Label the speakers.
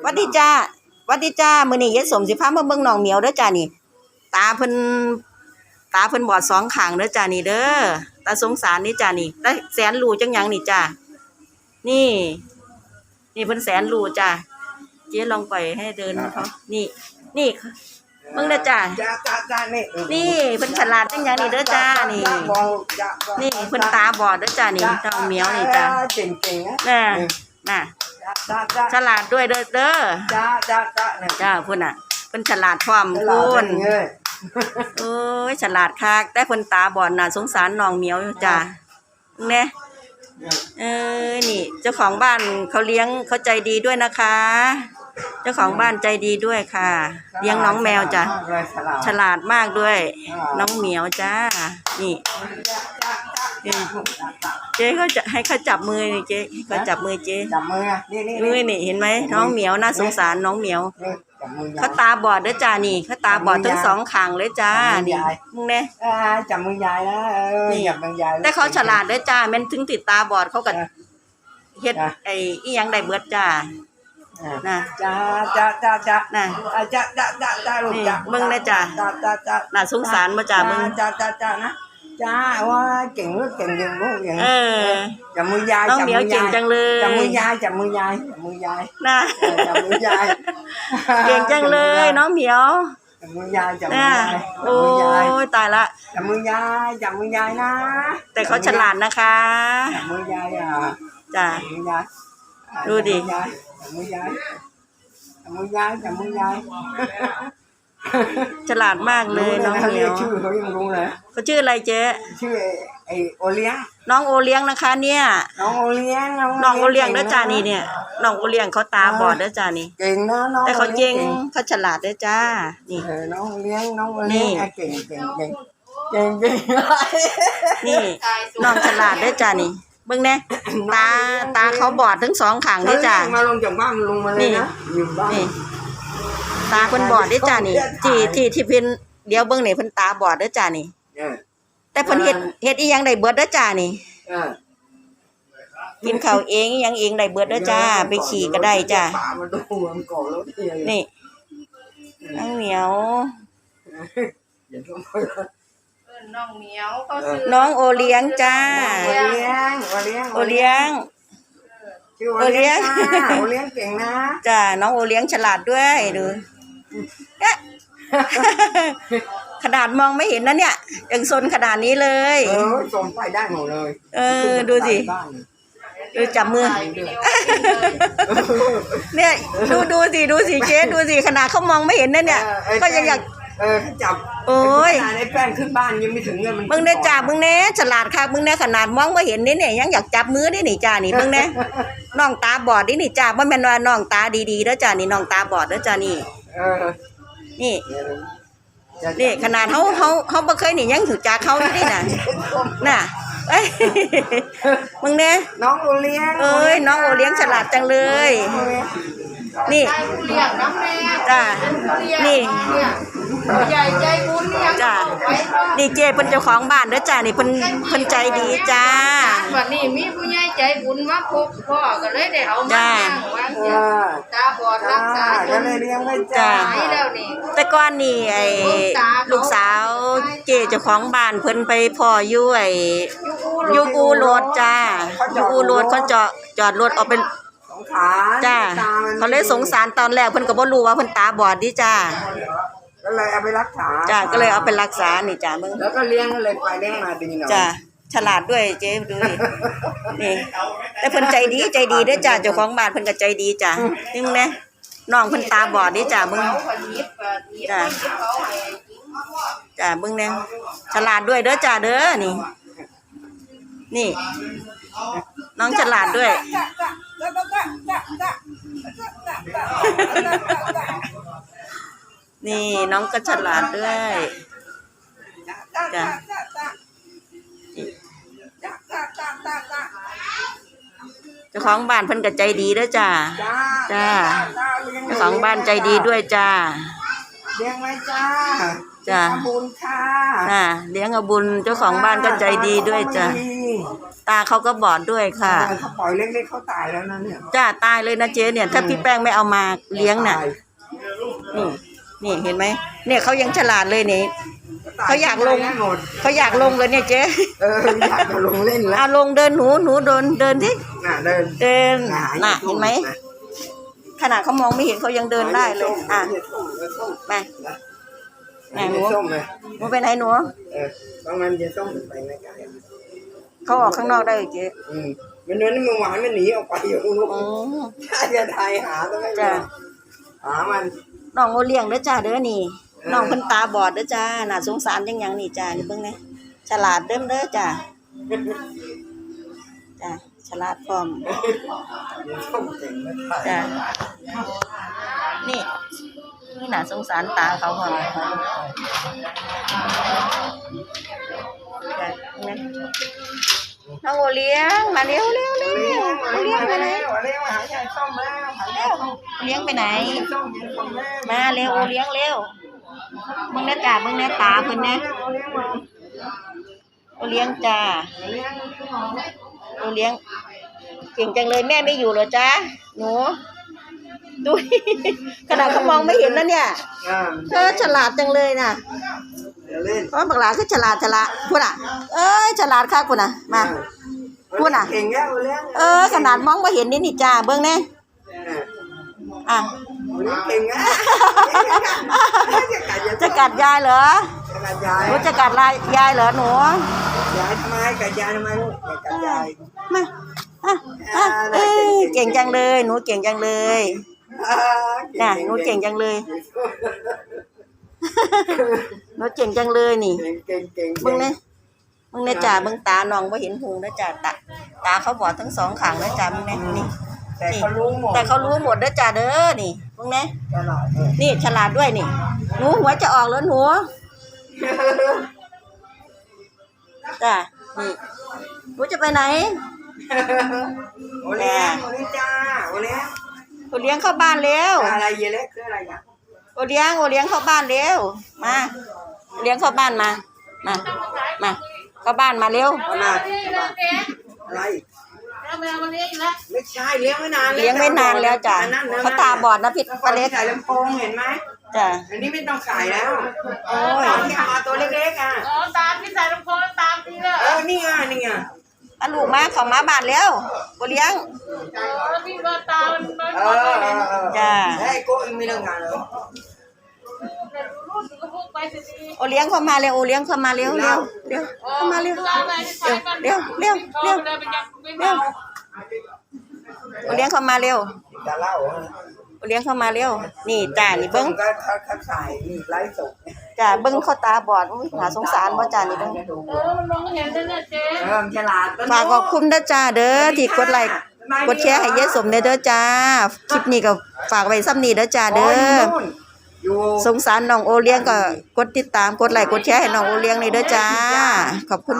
Speaker 1: วัดดีจ้าวัดดีจ้ามื้อนี้ยายสมสิพามาเบิ่งน้องเหมียวเด้อจ้านี่ตาเพิ่นบอดสองข้างเด้อจ้านี่เด้อตาสงสารนี่จ้านี่ตาแสนรู้จังหยังนี่จ้านี่เพิ่นแสนรู้จ้าเจ๊ลองปล่อยให้เดินเขานี่เบิ่งเด้อจ้านี่เพิ่นฉลาดจังหยังนี่เด้อจ้านี่เพิ่นตาบอดเด้อจ้านี่น้องเหมียวนี่จ้า
Speaker 2: เก่งๆนะ
Speaker 1: น่ะฉลาดด้วยเด้อจ้าเพิ่นน่ะเพิ่นฉลาดพร้อมพุ่นโอ้ยฉลาดคักแต่เพิ่นตาบอดน่ะสงสารน้องเหมียวจ้าแน่นี่เจ้าของบ้านเขาเลี้ยงเขาใจดีด้วยนะคะเจ้าของบ้านใจดีด้วยค่ะเลี้ยงน้องแมวจ้ะฉลาดมากด้วยน้องเหมียวจ้านี่เจ๊เขาจะให้เขาจับมือนี่เจ๊เขาจับมือเจ๊
Speaker 2: จับมือ
Speaker 1: นี่เห็นไหมน้องเหมียวน่าสงสารน้องเหมียวเขาตาบอดเด้อจ้านี่เขาตาบอดทั้งสองข้างเลยจ้านี่มึงเนี่ย
Speaker 2: จับมือยายนะจับมือยาย
Speaker 1: แต่เขาฉลาดเด้อจ้าแม่นถึงติดตาบอดเขาก็เฮ็ดไอ้อีหยังได้เบิดจ้าน่ะ
Speaker 2: จ้า
Speaker 1: น่ะ
Speaker 2: จ้าลูกจ้า
Speaker 1: มึงนะจ้าน่ะสงสารบ่จ้ามึง
Speaker 2: จ้านะจ้าว่าเก่งลูกเก่งลูกอย่างจับมือยาย
Speaker 1: น้องเหมียวเก่งจังเลย
Speaker 2: จับมือยาย
Speaker 1: น่ะ
Speaker 2: จับมือยาย
Speaker 1: เก่งจังเลยน้องเหมียว
Speaker 2: จับมือยาย
Speaker 1: โอ้ยตายละ
Speaker 2: จับมือยายนะ
Speaker 1: แต่เขาฉลาดนะคะ
Speaker 2: จับมือยาย
Speaker 1: จ้าดูดิ
Speaker 2: จับมือยาย
Speaker 1: ฉลาดมากเลยน้องเหมียว
Speaker 2: ชื่อเขายังรู้เลย
Speaker 1: เขาชื่ออะไรเจ๊
Speaker 2: ชื่อไอโอเลี้ยง
Speaker 1: น้องโอเลี้ยงนะคะเนี่ย
Speaker 2: น้องโอเลี้ยง
Speaker 1: เด้อจ้านี่เนี่ยน้องโอเลี้ยงเขาตาบอดเด้อจ้านี่
Speaker 2: เก่งนะน้อง
Speaker 1: แต่เขาเก่งเขาฉลาดเด้อจ้านี่
Speaker 2: น้องโอเลี้ยงเก่ง
Speaker 1: นี่น้องฉลาดเด้อจ้านี่เบิ่งแน่ตาเขาบอดทั้งสองข้างเด้อจ้า
Speaker 2: มาลงจากบ้านลงมาเลยนะอยู่บ้าน
Speaker 1: ตาเพิ่นบอดเด้อจ้านี่ที่เพิ่นเดี๋ยวเบิ่งนี่เพิ่นตาบอดเด้อจ้านี่แต่เพิ่นเฮ็ดอีหยังได้เบิดเด้อจ้านี่กินข้าวเองอีหยังเองได้เบิดเด้อจ้าไปขี่ก็ได้จ้านี่น้องเหมียว
Speaker 3: น้องเหมียวเขาซื้อ
Speaker 1: น้องโอเลี้ยงจ้า
Speaker 2: โอเลี้ยง
Speaker 1: โอเลี้ยง
Speaker 2: โอเลี้ยงเก่งนะ
Speaker 1: จ้าน้องโอเลี้ยงฉลาดด้วยดูขนาดมองไม่เห็นนะเนี่ยยังซนขนาดนี้เลย
Speaker 2: ส่งไปได้หมดเลย
Speaker 1: ดูสิดูจับมือเนี่ยดูสิเจ๊ดูสิขนาดเขามองไม่เห็นนะเนี่ยก็ยังอยาก
Speaker 2: จับ
Speaker 1: โอ้ย
Speaker 2: ไอ้แป้งขึ้นบ้านยังไม่ถึงเงิน
Speaker 1: มึงเนี่ยจับมึงเนี่ยฉลาดค่ะมึงเนี่ยขนาดมองไม่เห็นนี่เนี่ยยังอยากจับมือนี่นี่จ้านี่มึงเนี่ยน้องตาบอดนี่จ้าว่าแม่นว่าน้องตาดีๆแล้วจ้านี่น้องตาบอดแล้วจ้านี่นี่ขนาดเขาบ่เคยนี่ยังถือจ่าเขาอยู่นี่น่ะมึงเนี่ย
Speaker 2: น้องโอเลี้ยง
Speaker 1: น้องโอเลี้ยงฉลาดจังเลยนี่จ้านี่
Speaker 3: ใหญ่ใจบุญเนี่ย
Speaker 1: จ้านี่เจ๊เป็นเจ้าของบ้านเด้อจ้านี่เพิ่นใจดีจ้า
Speaker 3: วันนี้มีผู้ใหญ่ใจบุญมาพบพ่อก็เลยได้เอามาตาบอดรักษา
Speaker 2: ก็เลยเลี้ยงไว้
Speaker 1: จ้า
Speaker 3: แล้วนี่
Speaker 1: แต่ก่อนนี่ไอ้ลูกสาวเจ๊เจ้าของบ้านเพิ่นไปพ่ออยู่ไอ้ยูกูโรดจ้ายูกูโรดเขาจอดรถออกเป็นจ้าเขาเลยสงสารตอนแรกเพิ่นก็บ่รู้ว่าเพิ่นตาบอดดิจ้า
Speaker 2: ก็เลยเอาไปรักษา
Speaker 1: จ้าก็เลยเอาไปรักษานี่จ้ามึง
Speaker 2: แล้วก็เลี้ยงเลยไปเลี้ยงมาดีหน่อย
Speaker 1: จ้าฉลาดด้วยเจ๊ดูนี่แต่เพิ่นใจดีเด้อจ้าเจ้าของบ้านเพิ่นก็ใจดีจ้านี่มึงเนี่ยน้องเพิ่นตาบอดดิจ้ามึงจ้ามึงเนี่ยฉลาดด้วยเด้อจ้าเด้อนี่น้องฉลาดด้วยนี่น้องก็ฉลาดด้วยจ้ะเจ้าของบ้านเพิ่นก็ใจดีด้วยจ้าเจ้าของบ้านใจดีด้วยจ้า
Speaker 2: เลี้ยงไว้จ้าบุญค่ะ
Speaker 1: เลี้ยงเอาบุญเจ้าของบ้านก็ใจดีด้วยจ้าตาเขาก็บอดด้วยค่ะ
Speaker 2: เขาปล่อยเล็กๆเขาตายแล้วนะเนี่ย
Speaker 1: จ้าตายเลยนะเจ๊เนี่ย ถ้าพี่แป้งไม่เอามาเลี้ยงน่ะ
Speaker 2: ตาย
Speaker 1: นี่เห็นไหมเนี่ยเขายังฉลาดเลยนี่ เขาอยากลง
Speaker 2: ตได้หมด
Speaker 1: เขาอยากลงเลยเนี่ยเจ๊
Speaker 2: อยากจะลงเล่นแล้ว
Speaker 1: เอาลงเดินหนูเดินที่
Speaker 2: เดิน
Speaker 1: เดิน
Speaker 2: หา
Speaker 1: น่ะเห็นไหมขนาดเขามองไม่เห็นเขายังเดินได้เลยอ่ะมาไหนหนู
Speaker 2: ส้มเลย
Speaker 1: หนูไปไหนหนู
Speaker 2: บางมันจะส้มไปไม่ไกล
Speaker 1: เขาออกข้างนอกได้เหรอเจ๊
Speaker 2: มันนั้นมันหวานมันหนีออกไปอยู่ลูก
Speaker 1: อ๋อ
Speaker 2: ถ้าจะไทยหาต้องไม่
Speaker 1: จ้ะ
Speaker 2: หามัน
Speaker 1: น้องโอเลี้ยงเด้อจ้าเด้อนี่น้องเพิ่นตาบอดเด้อจ้าน่าสงสารจังหยังนี่จ้านี่เบิ่งแหน่ฉลาดเด้อจ้าจ้าฉลาดพร้อม
Speaker 2: ส้มเก่งไม่ไทย
Speaker 1: จ้านี่น่าสงสารตาเขาพร้อมจ้ะเห็นไหมน้องโอเลี้ยงมาเร็วโอเลี้ยงไปไหน
Speaker 2: เลี้ยงมาหาใหญ่ส้มแล้วหาใหญ่ส้ม
Speaker 1: โอเลี้ยงไปไหน
Speaker 2: ส้มเย็นส้มแล้ว
Speaker 1: มาเร็วโอเลี้ยงเร็วมึงแน่จ้ามึงแน่ตาเพิ่นแน่โอเลี้ยงจ้าโอเลี้ยงเก่งจังเลยแม่ไม่อยู่เหรอจ้าหนูดู ขนาดเขามองไม่เห็นแล้วเนี่ยเธอฉลาดจังเลยน่ะ
Speaker 2: เล่น
Speaker 1: เพราะบักหลาคือฉลาดพูดอ่ะเอ้ยฉลาดค่ะคุณน่ะมาพูดอ่ะ
Speaker 2: เก่งแล้วเลี้ยง
Speaker 1: ขนาดมองไม่เห็นนี่จ้าเบิ่งแน่อ่ะ
Speaker 2: เก่งอ่ะ
Speaker 1: จะกัดยายเหรอ
Speaker 2: กัดยาย
Speaker 1: หนูจะกัดยายเหรอหนู
Speaker 2: ยายทำไมกัดยายทำไมลูกกัดยาย
Speaker 1: มาเก่งจังเลยหนูเก่งจังเลยน่ะหนูเก่งจังเลยหนูเก่งจังเลยนี่
Speaker 2: เก่งเก่ง
Speaker 1: เบิ่งเนี่ยจ้าเบิ่งตาน้องบ่เห็นหูนะจ้าตาเขาบอดทั้งสองข้างนะจ้าเบิ่งเนี่ยนี่
Speaker 2: แต่เขารู้หมด
Speaker 1: แต่เขารู้หมดนะจ้าเด้อนี่เบิ่งเนี่ย
Speaker 2: ตลอด
Speaker 1: นี่ฉลาดด้วยนี่หนูหัวจะออกแล้วหนูจ้านี่หนูจะไปไหน
Speaker 2: โอเลี้ยงโอเลี้ยงจ้าโอเลี้ยง
Speaker 1: โอเลี้ยงเข้าบ้านเร็ว
Speaker 2: อะไรเยเล็กคืออะไรอ่ะ
Speaker 1: โอเลี้ยงเข้าบ้านเร็วมาโอเลี้ยงเข้าบ้านมาเข้าบ้านมาเร็ว
Speaker 2: เอามาอะไร
Speaker 3: แล้วแมวมันเลี้ยงอีกแล้ว
Speaker 2: ไม่ใช่เลี้ยงไม่นาน
Speaker 1: เลี้ยงไม่นานแล้วจ้ะเขาตาบอดนะพี่ป้าเล็ก
Speaker 2: ใส่ลำโพงเห็นไหม
Speaker 1: จ้ะ
Speaker 2: อันนี้ไม่ต้องใส่แล้ว
Speaker 1: โอ้ย
Speaker 2: ตอนที่เอามาตัวเล็กๆอ่ะ
Speaker 3: อ๋อตามที่ใส่ลำโพงตามทีละ
Speaker 2: นี่ไงนี่ไง
Speaker 1: อันลูกมาเขามาบ้านเร็วโอเลี้ยง
Speaker 3: แล้วพี่ว่าตามัน
Speaker 1: จ้ะ
Speaker 2: เฮ้ยโก้ยังไม่เลิกงานเลย
Speaker 3: รู้สึกก็พูดไปสิ
Speaker 1: โอเลี้ยงเข้ามาเร็วโอเลี้ยงเข้ามาเร็วเข้ามาเร็วโอเลี้ยงเข้ามาเร็ว
Speaker 2: จะเล่า
Speaker 1: โอเลี้ยงเข้ามาเร็วนี่จ้านี่เบิ้ง
Speaker 2: ก็เขาใส่นี่ไลฟ์สด
Speaker 1: จ้าเบิ้งเขาตาบอดอุ้ยหาสงสารบ่จ้านี่เบิ้ง
Speaker 3: มันมองเห็นได้เนี่ยเจ๊
Speaker 2: ฉลาด
Speaker 1: ฝากขอบคุณเด้อจ้าเด้อที่กดไลค์กดแชร์ให้ยายสมเด้อจ้าคลิปนี้ก็ฝากไว้ซ้ำนี้เด้อจ้าเด้อสงสารน้องโอเลี้ยงก็กดติดตามกดไลค์กดแชร์ให้น้องโอเลี้ยงนี่เด้อจ้าขอบคุณ